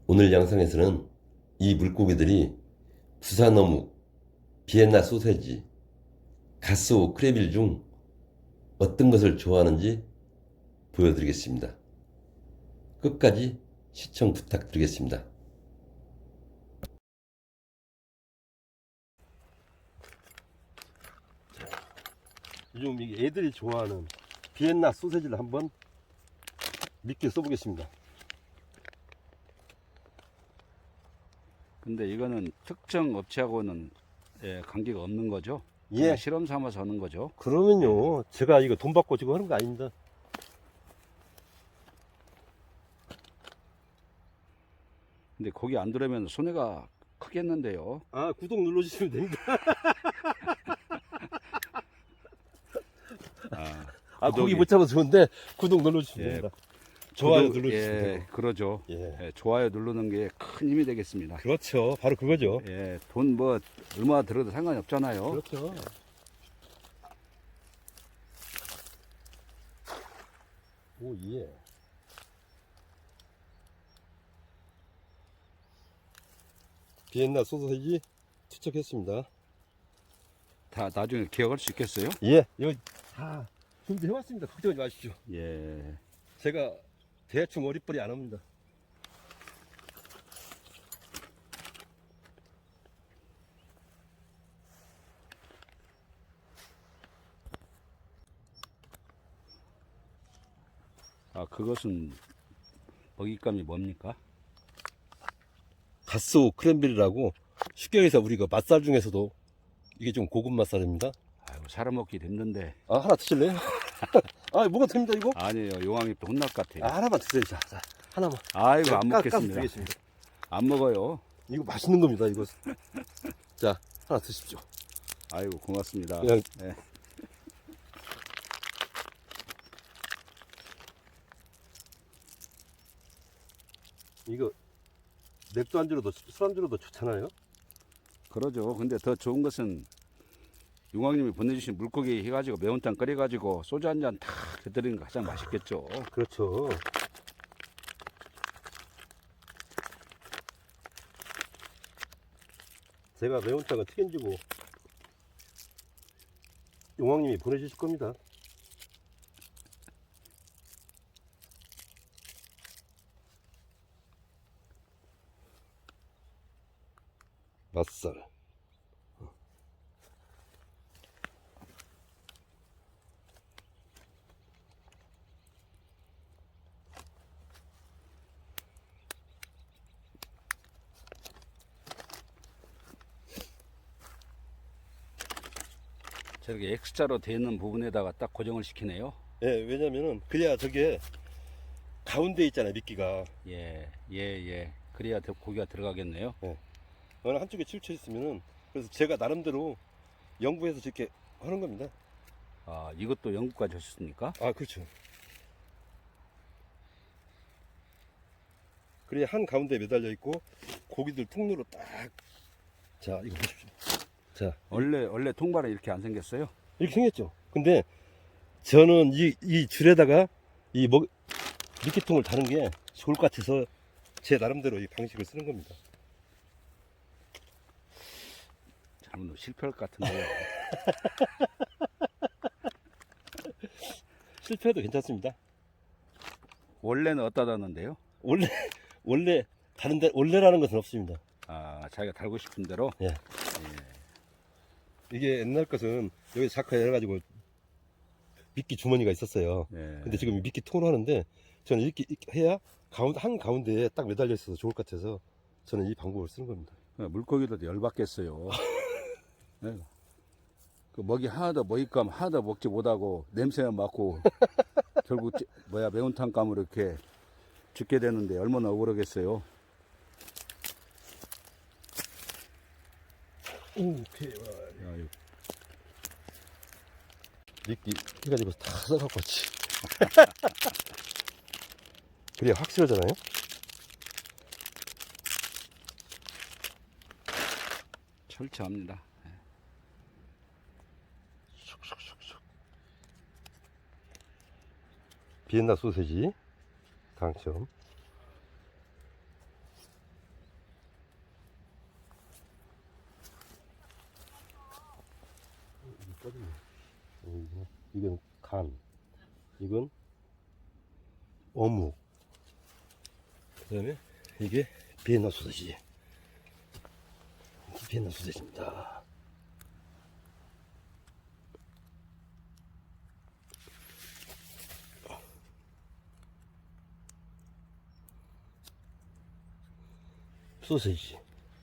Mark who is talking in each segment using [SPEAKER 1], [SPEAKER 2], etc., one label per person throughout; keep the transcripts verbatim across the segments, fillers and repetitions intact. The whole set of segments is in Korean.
[SPEAKER 1] 오늘 영상에서는 이 물고기들이 부산 어묵, 비엔나 소세지, 가스오 크레빌 중 어떤 것을 좋아하는지 보여드리겠습니다. 끝까지 시청 부탁드리겠습니다. 요즘 이게 애들이 좋아하는 비엔나 소세지를 한번 믿게 써보겠습니다.
[SPEAKER 2] 근데 이거는 특정 업체하고는 예, 관계가 없는 거죠?
[SPEAKER 1] 예.
[SPEAKER 2] 그냥 실험 삼아서 하는 거죠?
[SPEAKER 1] 그러면요, 제가 이거 돈 받고 지금 하는 거 아닙니다.
[SPEAKER 2] 근데 거기 안 들어오면 손해가 크겠는데요?
[SPEAKER 1] 아, 구독 눌러주시면 됩니다.
[SPEAKER 2] 아,
[SPEAKER 1] 아,
[SPEAKER 2] 구독이-
[SPEAKER 1] 고기 못 잡아서 좋은데 구독 눌러주시면
[SPEAKER 2] 예,
[SPEAKER 1] 됩니다. 좋아요
[SPEAKER 2] 구독,
[SPEAKER 1] 눌러주시면
[SPEAKER 2] 예,
[SPEAKER 1] 되고.
[SPEAKER 2] 그러죠.
[SPEAKER 1] 예.
[SPEAKER 2] 예, 좋아요 누르는 게 큰 힘이 되겠습니다.
[SPEAKER 1] 그렇죠. 바로 그거죠.
[SPEAKER 2] 예, 돈 뭐 얼마 들어도 상관이 없잖아요.
[SPEAKER 1] 그렇죠. 오, 예. 비엔나 소세지 투척했습니다.
[SPEAKER 2] 다 나중에 기억할 수 있겠어요?
[SPEAKER 1] 예. 이거 다 준비해왔습니다. 걱정하지 마십시오.
[SPEAKER 2] 예.
[SPEAKER 1] 제가 대충 어리버리 안 합니다.
[SPEAKER 2] 아, 그것은 먹잇감이 뭡니까?
[SPEAKER 1] 가스오 크랜베리라고 쉽게 해서 우리가 맛살 중에서도 이게 좀 고급 맛살입니다.
[SPEAKER 2] 아이고, 사람 먹기 힘든데.
[SPEAKER 1] 아, 하나 드실래요? 아, 뭐가 됩니다, 이거?
[SPEAKER 2] 아니에요, 용왕이 또 혼날 것 같아요.
[SPEAKER 1] 아, 하나만 드세요. 자, 자 하나만.
[SPEAKER 2] 아이고, 안
[SPEAKER 1] 까- 까서
[SPEAKER 2] 먹겠습니다.
[SPEAKER 1] 드리겠습니다.
[SPEAKER 2] 안 먹어요.
[SPEAKER 1] 이거 맛있는 겁니다, 이거. 자, 하나 드십시오.
[SPEAKER 2] 아이고, 고맙습니다.
[SPEAKER 1] 그냥
[SPEAKER 2] 예.
[SPEAKER 1] 이거 맥주 안주로도 술 안주로도 좋잖아요.
[SPEAKER 2] 그러죠. 근데 더 좋은 것은 용왕님이 보내주신 물고기 해가지고 매운탕 끓여가지고 소주 한 잔 탁 곁들이는 게 가장 맛있겠죠.
[SPEAKER 1] 그렇죠. 제가 매운탕은 책임지고 용왕님이 보내주실 겁니다. 맛살.
[SPEAKER 2] 저렇게 X자로 되어 있는 부분에다가 딱 고정을 시키네요.
[SPEAKER 1] 예, 왜냐면은 그래야 저게 가운데 있잖아요, 미끼가.
[SPEAKER 2] 예, 예, 예. 그래야 더 고기가 들어가겠네요.
[SPEAKER 1] 어느 한쪽에 치우쳐 있으면은 그래서 제가 나름대로 연구해서 저렇게 하는 겁니다.
[SPEAKER 2] 아, 이것도 영국까지 하셨습니까?
[SPEAKER 1] 아, 그렇죠. 그래야 한 가운데 매달려 있고 고기들 통로로 딱. 자, 이거 보십시오. 자,
[SPEAKER 2] 원래, 원래 통발은 이렇게 안 생겼어요?
[SPEAKER 1] 이렇게 생겼죠. 근데 저는 이, 이 줄에다가 이 먹, 미끼통을 다는 게 좋을 것 같아서 제 나름대로 이 방식을 쓰는 겁니다.
[SPEAKER 2] 잘못 실패할 것 같은데요.
[SPEAKER 1] 실패해도 괜찮습니다.
[SPEAKER 2] 원래는 어디다 놨는데요?
[SPEAKER 1] 원래, 원래, 다른데, 원래라는 것은 없습니다.
[SPEAKER 2] 아, 자기가 달고 싶은 대로?
[SPEAKER 1] 예. 이게 옛날 것은 여기 자크에 해가지고 미끼 주머니가 있었어요.
[SPEAKER 2] 예.
[SPEAKER 1] 근데 지금 미끼 통으로 하는데 저는 이렇게, 이렇게 해야 가운데, 한 가운데에 딱 매달려 있어서 좋을 것 같아서 저는 이 방법을 쓰는 겁니다.
[SPEAKER 2] 물고기도 열받겠어요. 네. 그 먹이 하나도 먹잇감 하나도 먹지 못하고 냄새만 맡고 결국 찌- 뭐야 매운탕 감으로 이렇게 죽게 되는데 얼마나 억울하겠어요.
[SPEAKER 1] 오케이.
[SPEAKER 2] 야, 이거
[SPEAKER 1] 미끼 해가지고 다 써갖고 왔지. 그래야 확실하잖아요.
[SPEAKER 2] 철저합니다.
[SPEAKER 1] 비엔나 소세지 당첨. 빠졌네. 어, 이거, 이건 간, 이건 어묵. 그다음에 이게 비엔나 소세지. 이게 비엔나 소세지입니다. 소세지.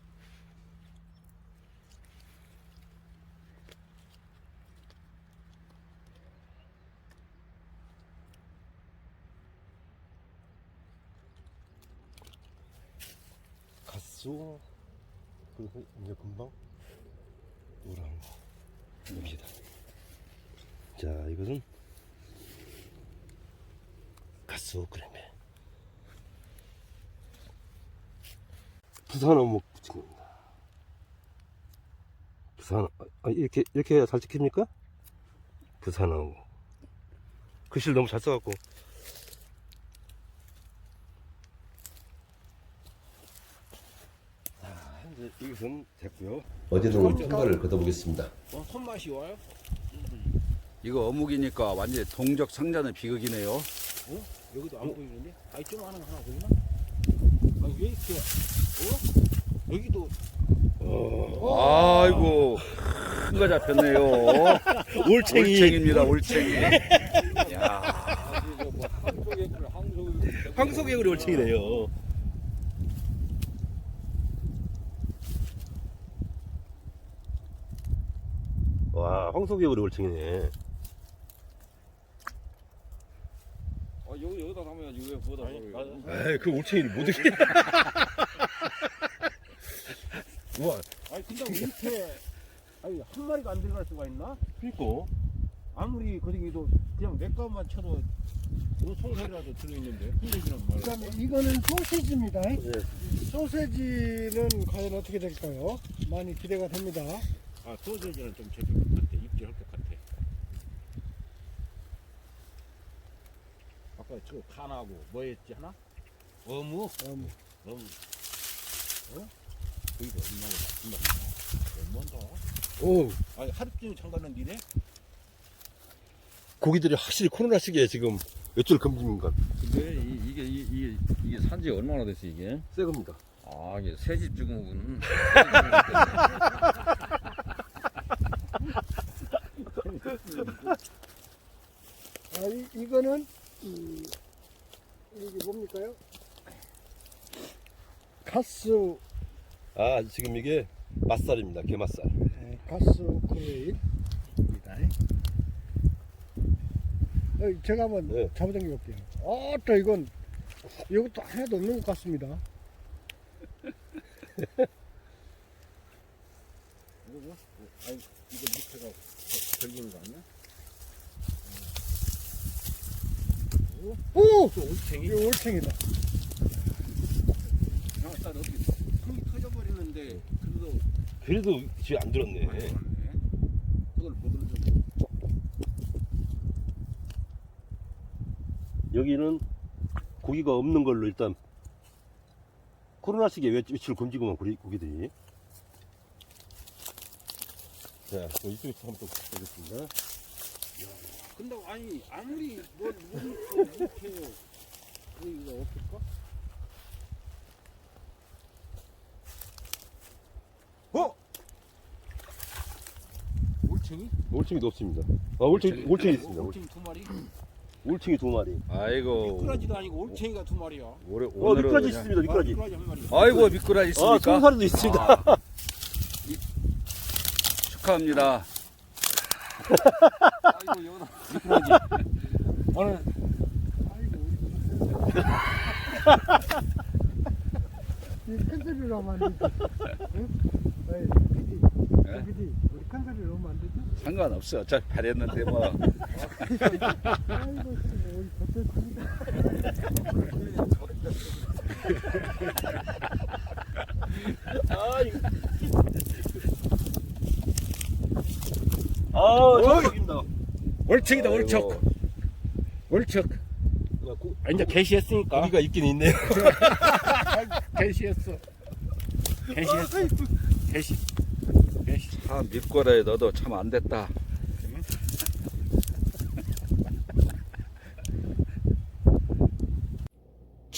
[SPEAKER 1] 가수. 그래서 이제 금방 오랑 옵니다. 자, 이것은 가수 그램에 부산 어묵 부침입니다. 부산, 아, 이렇게, 이렇게 해야 잘 찍힙니까? 부산 어묵. 글씨를 너무 잘 써갖고. 자, 이제 이것은 됐고요. 어제는 한발을 걷어보겠습니다.
[SPEAKER 3] 어, 손맛이 와요?
[SPEAKER 2] 이거 어묵이니까 완전히 동적 상자는 비극이네요.
[SPEAKER 3] 어? 여기도 안 보이는데? 아이 좀 하는 거 하나 보이나? 아, 왜 이렇게 어? 여기도
[SPEAKER 2] 아이고 큰 거 잡혔네요.
[SPEAKER 1] 올챙이.
[SPEAKER 2] 올챙입니다. 올챙이. 야,
[SPEAKER 3] 아, 이거 뭐 한국의 한국
[SPEAKER 1] 황소개구리 올챙이네요. 와, 황소개구리 올챙이네.
[SPEAKER 3] 아, 여기 여기다 담아야지 왜 뭐다
[SPEAKER 1] 에이, 그 올챙이를 못 이게. 우와,
[SPEAKER 3] 아니 근데 왜 이렇게 아니 한 마리가 안 들어갈 수가 있나?
[SPEAKER 1] 그니까.
[SPEAKER 3] 아무리 거기도 그냥 내 것만 쳐도 요 송사리라도 들어있는데 흔들지는 말고.
[SPEAKER 4] 그다음에 이거는 소시지입니다.
[SPEAKER 1] 네.
[SPEAKER 4] 소세지는 과연 어떻게 될까요? 많이 기대가 됩니다.
[SPEAKER 3] 아 소세지는 좀 제일 것 같아. 입질할 것 같아. 아까 저 칸하고 뭐였지 하나? 어묵?
[SPEAKER 4] 음,
[SPEAKER 3] 어묵. 어? 거기가 얼마나 얼마나
[SPEAKER 1] 오,
[SPEAKER 3] 아니 하루 종일 잠가는 니네?
[SPEAKER 1] 고기들이 확실히 코로나 시기에 지금 외출 금지인가?
[SPEAKER 5] 근데 이, 이게 이, 이게 이게 산지 얼마나 됐어 이게?
[SPEAKER 1] 새 겁니다.
[SPEAKER 5] 아 이게 새집 증후군.
[SPEAKER 4] 아, 이, 이거는 음, 이게 뭡니까요? 가스
[SPEAKER 1] 아, 지금 이게 맛살입니다. 게맛살.
[SPEAKER 4] 네, 가스 크레인입니다. 어, 제가 한번
[SPEAKER 1] 네.
[SPEAKER 4] 잡아당겨 볼게요. 어, 또 이건 이것도 하나도 없는 것 같습니다.
[SPEAKER 3] 이거 뭐? 아니 이거 밑에가 걸리는 거 아니야?
[SPEAKER 4] 오!
[SPEAKER 3] 또 올챙이?
[SPEAKER 4] 이거 올챙이다.
[SPEAKER 3] 아, 나 어떻게 흙이 터져버리는데 그래도
[SPEAKER 1] 그래도 지금 안 들었네.
[SPEAKER 3] 많이 들었네. 그걸 보들좀
[SPEAKER 1] 여기는 고기가 없는 걸로 일단 코로나 시기에 외출 금지구만 고기, 고기들이. 자, 그럼 이쪽에서 한번 또 보겠습니다.
[SPEAKER 3] 근데 아니 아무리 뭘 이렇게 이렇게 이거 없을까? 어? 올챙이?
[SPEAKER 1] 올챙이도 없습니다. 아, 올챙이, 올챙이 있습니다.
[SPEAKER 3] 올챙이 두 마리?
[SPEAKER 1] 올챙이 두 마리.
[SPEAKER 2] 아이고
[SPEAKER 3] 미꾸라지도 아니고 올챙이가 두 마리야.
[SPEAKER 2] 오래,
[SPEAKER 1] 어,
[SPEAKER 2] 오늘은
[SPEAKER 1] 미꾸라지
[SPEAKER 2] 그냥-
[SPEAKER 1] 있습니다. 미꾸라지.
[SPEAKER 3] 미꾸라지 한 마리.
[SPEAKER 2] 아이고 미꾸라지
[SPEAKER 1] 아,
[SPEAKER 2] 있습니까?
[SPEAKER 1] 송사리도 있습니다.
[SPEAKER 2] 아, 이- 축하합니다.
[SPEAKER 3] 아이고 여기다 미꾸라지. 오늘
[SPEAKER 4] 이큰 소리로 하면 안 되지. 응? 어이, 피디,
[SPEAKER 2] 예?
[SPEAKER 4] 피디, 우리 큰 소리로 하면 안 되지?
[SPEAKER 2] 상관없어. 어차피 팔했는데 뭐.
[SPEAKER 4] 아이고, 지금 우리 버텼습니다.
[SPEAKER 1] 아, 이거. 아, 저기입니다.
[SPEAKER 3] 올챙이다
[SPEAKER 2] 아이고.
[SPEAKER 3] 올척. 올척. 아, 이제 개시했으니까.
[SPEAKER 1] 고기가 있긴 있네요.
[SPEAKER 3] 개시했어. 개시했어. 개시. 개시.
[SPEAKER 2] 아, 미꾸라지 너도 참 안 됐다.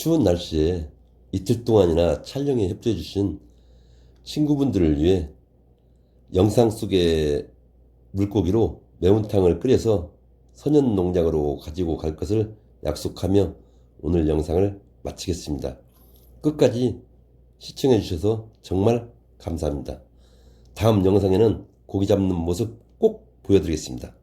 [SPEAKER 1] 추운 날씨에 이틀 동안이나 촬영에 협조해 주신 친구분들을 위해 영상 속의 물고기로 매운탕을 끓여서 선연 농장으로 가지고 갈 것을 약속하며 오늘 영상을 마치겠습니다. 끝까지 시청해 주셔서 정말 감사합니다. 다음 영상에는 고기 잡는 모습 꼭 보여드리겠습니다.